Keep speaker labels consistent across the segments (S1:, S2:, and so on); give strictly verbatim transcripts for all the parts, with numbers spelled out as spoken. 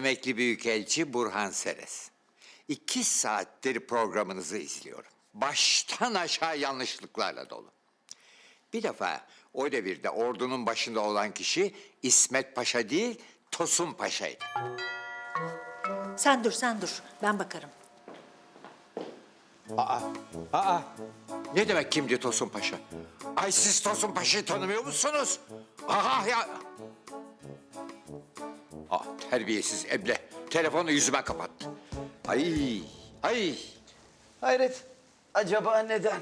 S1: emekli büyükelçi Burhan Seres. İki saattir programınızı izliyorum. Baştan aşağı yanlışlıklarla dolu. Bir defa o devirde ordunun başında olan kişi İsmet Paşa değil, Tosun Paşa'ydı.
S2: Sen dur, sen dur. Ben bakarım.
S1: Aa, aa. Ne demek kimdi Tosun Paşa? Ay siz Tosun Paşa'yı tanımıyor musunuz? Aha ya. Aa, terbiyesiz eble. Telefonu yüzüme kapattı. Ay, ay.
S3: Hayret, acaba neden?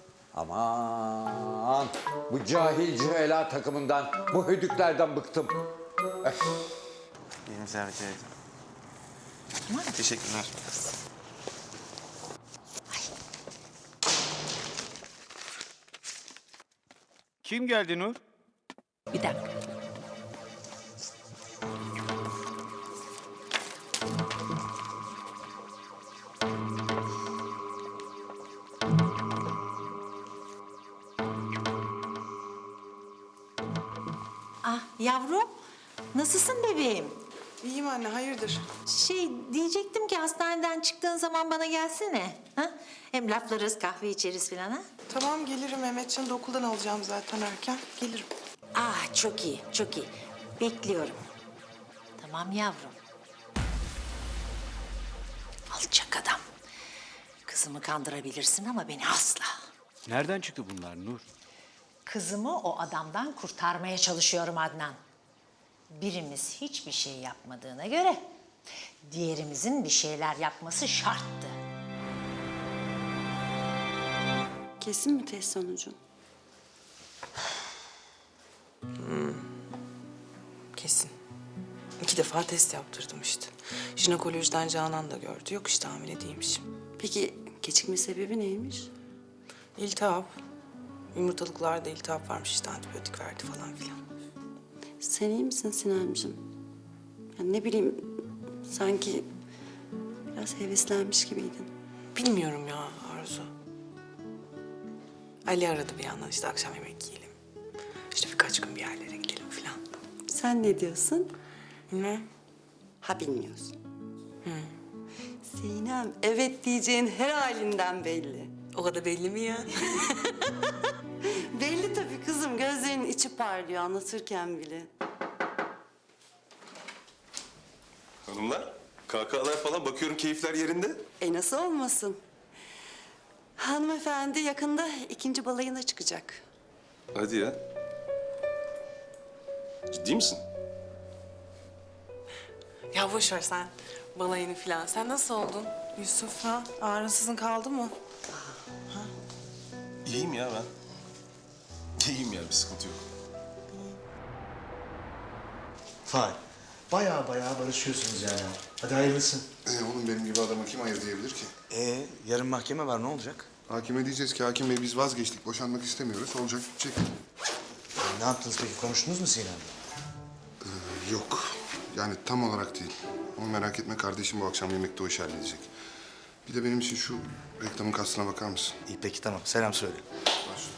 S1: Aman, bu cahil cühela takımından, bu hödüklerden bıktım. Öf.
S3: Elinize rica ederim. Teşekkürler.
S4: Kim geldi Nur?
S2: Bir dakika. Ah yavrum, nasılsın bebeğim?
S5: İyiyim anne, hayırdır?
S2: Şey diyecektim ki hastaneden çıktığın zaman bana gelsene. Ha? Hem laflarız, kahve içeriz falan ha.
S5: Tamam gelirim, Mehmetcan'ı da okuldan alacağım zaten erken. Gelirim.
S2: Ah çok iyi, çok iyi. Bekliyorum. Tamam yavrum. Alçak adam. Kızımı kandırabilirsin ama beni asla.
S4: Nereden çıktı bunlar Nur?
S2: Kızımı o adamdan kurtarmaya çalışıyorum Adnan. Birimiz hiçbir şey yapmadığına göre diğerimizin bir şeyler yapması şarttı.
S6: Kesin mi test sonucu?
S5: Kesin. İki defa test yaptırdım işte. Jinekolojiden Canan da gördü. Yok işte hamile değilmişim.
S6: Peki gecikme sebebi neymiş?
S5: İltihap. Yumurtalıklarda iltihap varmış işte antibiyotik verdi falan filan.
S6: Sen iyi misin Sinancığım? Ya ne bileyim, sanki biraz heveslenmiş gibiydin.
S5: Bilmiyorum ya Arzu. Ali aradı bir yandan işte akşam yemek yiyelim. İşte birkaç gün bir yerlere gidelim falan.
S6: Sen ne diyorsun?
S5: Bilmem.
S6: Ha bilmiyorsun. Sinem, evet diyeceğin her halinden belli.
S5: O kadar belli mi ya?
S6: Belli tabii kızım, gözlerinin içi parlıyor anlatırken bile.
S7: Hanımlar, kahkahalar falan bakıyorum keyifler yerinde.
S6: E nasıl olmasın? Hanımefendi yakında ikinci balayına çıkacak.
S7: Hadi ya. Ciddi misin?
S5: Ya boş ver sen balayını falan. Sen nasıl oldun Yusuf ha? Ağrınsızın kaldı mı?
S7: İyiyim ya ben. İyiyim ya, bir sıkıntı yok.
S8: Vay. Baya baya barışıyorsunuz yani. Hadi hayırlısı.
S9: Ee, oğlum benim gibi adama kim hayır diyebilir ki?
S8: Ee, yarın mahkeme var, ne olacak?
S9: Hakime diyeceğiz ki hakim bey biz vazgeçtik, boşanmak istemiyoruz. Olacak bitecek.
S8: Ee, ne yaptınız peki, konuştunuz mu Sinem'le?
S9: Ee, yok. Yani tam olarak değil. Ama merak etme kardeşim bu akşam yemekte o işi halledecek. Bir de benim için şu reklamın kastına bakar mısın?
S8: İyi peki tamam, selam söyle.
S9: Başla.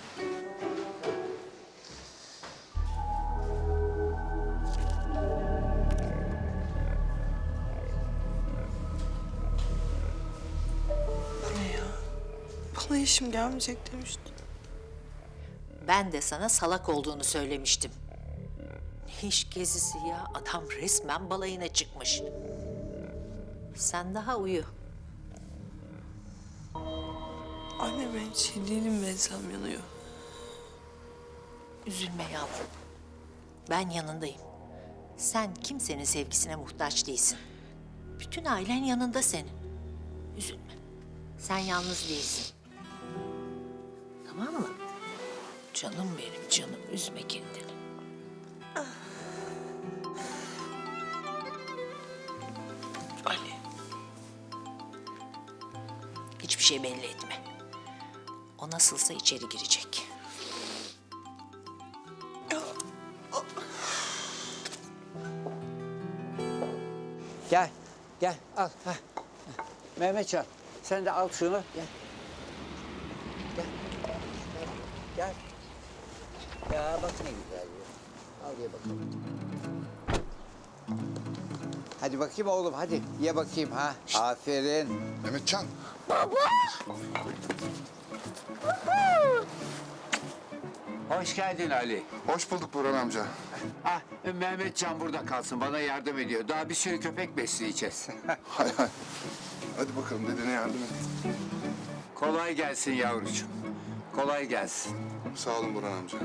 S5: Ne ya? Bana işim gelmeyecek demişti.
S2: Ben de sana salak olduğunu söylemiştim. Ne iş gezisi ya? Adam resmen balayına çıkmış. Sen daha uyu.
S5: Anne ben hiç iyi değilim, bensem yanıyor.
S2: Üzülme yavrum. Ben yanındayım. Sen kimsenin sevgisine muhtaç değilsin. Bütün ailen yanında senin. Üzülme. Sen yalnız değilsin. Tamam mı? Canım benim canım, üzme kendini.
S5: Ali.
S2: Hiçbir şey belli etme. O nasılsa içeri girecek.
S1: Gel, gel al. Heh. Mehmetcan, sen de al şunu. Gel. Gel. Gel. Ya bak ne güzel ya. Al ye bakalım. Hadi bakayım oğlum hadi ye bakayım ha. Aferin.
S9: Mehmetcan.
S1: Hoş geldin Ali.
S9: Hoş bulduk Burhan amca.
S1: Ah Mehmetcan burada kalsın bana yardım ediyor. Daha bir sürü köpek besleyeceğiz.
S9: Hay hay. Hadi bakalım dedene yardım et.
S1: Kolay gelsin yavrucuğum. Kolay gelsin.
S9: Sağ olun Burhan amca.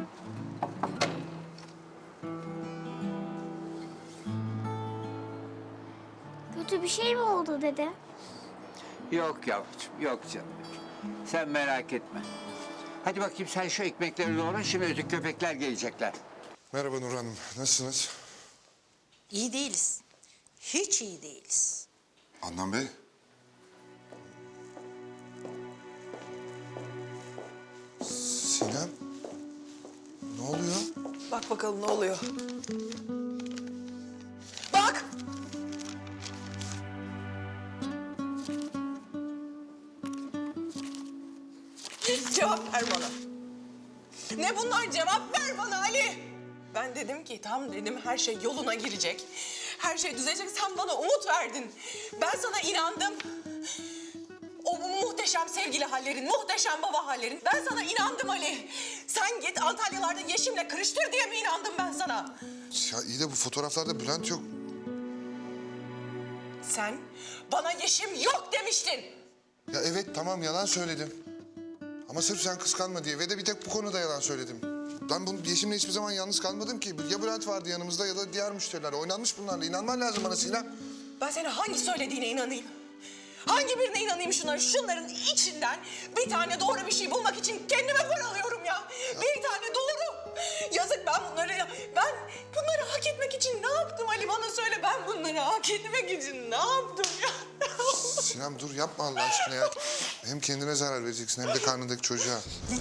S10: Kötü bir şey mi oldu dede?
S1: Yok yavrucuğum yok canım. Sen merak etme. Hadi bakayım sen şu ekmekleri doğra şimdi öteki köpekler gelecekler.
S9: Merhaba Nur Hanım. Nasılsınız?
S2: İyi değiliz. Hiç iyi değiliz.
S9: Adnan Bey. Sinem. Ne oluyor?
S5: Bak bakalım ne oluyor. Bak! Cevap ver bana. Ne bunlar? Cevap ver bana Ali. Ben dedim ki tam dedim her şey yoluna girecek. Her şey düzelecek. Sen bana umut verdin. Ben sana inandım. O bu muhteşem sevgili hallerin, muhteşem baba hallerin. Ben sana inandım Ali. Sen git Antalyalarda Yeşim'le kırıştır diye mi inandım ben sana?
S9: Ya iyi de bu fotoğraflarda Bülent yok.
S5: Sen bana Yeşim yok demiştin.
S9: Ya evet tamam yalan söyledim. Ama sırf sen kıskanma diye ve de bir tek bu konuda yalan söyledim. Ben bunu Yeşim'le hiçbir zaman yalnız kalmadım ki. Ya Bülent vardı yanımızda ya da diğer müşteriler. Oynanmış bunlarla. İnanman lazım bana Sinem.
S5: Ben senin hangi söylediğine inanayım? Hangi birine inanayım şunların? Şunların içinden bir tane doğru bir şey bulmak için kendime paralıyorum ya. Bir tane doğru. Yazık ben bunları, ben bunları hak etmek için ne yaptım Ali bana söyle. Ben bunları hak etmek için ne yaptım ya?
S9: Sinem dur yapma Allah aşkına ya. Hem kendine zarar vereceksin hem de karnındaki çocuğa.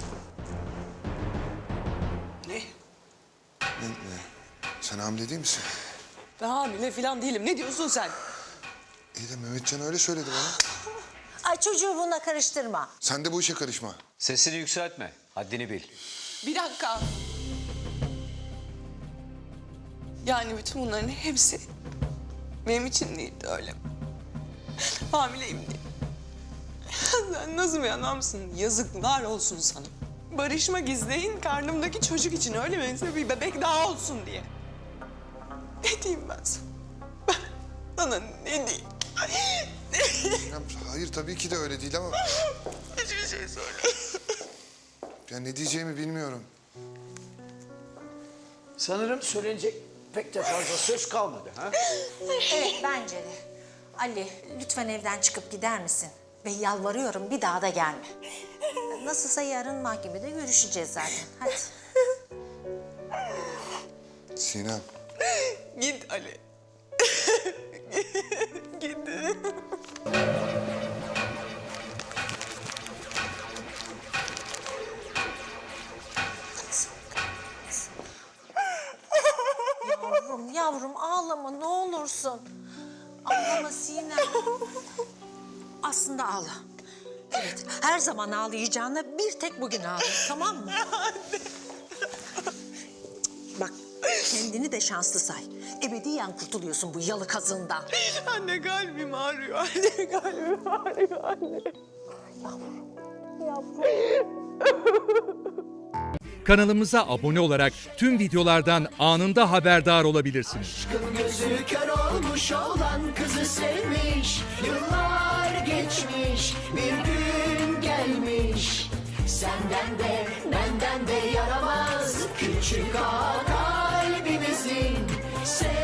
S5: Ne?
S9: Ne, ne? Sen hamile değil misin?
S5: Ben hamile falan değilim. Ne diyorsun sen?
S9: İyi de Mehmetcan öyle söyledi bana.
S2: Ay çocuğu bununla karıştırma.
S9: Sen de bu işe karışma.
S4: Sesini yükseltme. Haddini bil.
S5: Bir dakika. Yani bütün bunların hepsi benim için değildi öyle. Hamileyim diye. Sen nasıl bir adamsın? Yazıklar olsun sana. Barışmak isteyin karnımdaki çocuk için öyle mi? Bir bebek daha olsun diye. Ne diyeyim ben sana? Ben sana ne diyeyim?
S9: Sinem hayır tabii ki de öyle değil ama...
S5: Hiçbir şey söyle.
S9: Ya ne diyeceğimi bilmiyorum.
S3: Sanırım söylenecek pek de fazla söz kalmadı ha?
S2: Evet bence de. Ali lütfen evden çıkıp gider misin? Ve yalvarıyorum bir daha da gelme. Nasılsa yarın mahkemede görüşeceğiz zaten. Hadi.
S9: Sinem.
S5: Git Ali. Git.
S2: Yavrum yavrum ağlama ne olursun. Ağlama Sinem. Aslında ağla. Evet her zaman ağlayacağına bir tek bugün ağla tamam mı? Bak kendini de şanslı say. Ebediyen kurtuluyorsun bu yalı kazığından.
S5: Anne kalbim ağrıyor. Anne kalbim ağrıyor anne.
S11: Kanalımıza abone olarak tüm videolardan anında haberdar olabilirsiniz.
S12: Aşkın gözü kör olmuş olan kızı sevmiş. Yıllar geçmiş bir gün gelmiş. Senden de benden de yaramaz küçük ağa kalbimizin.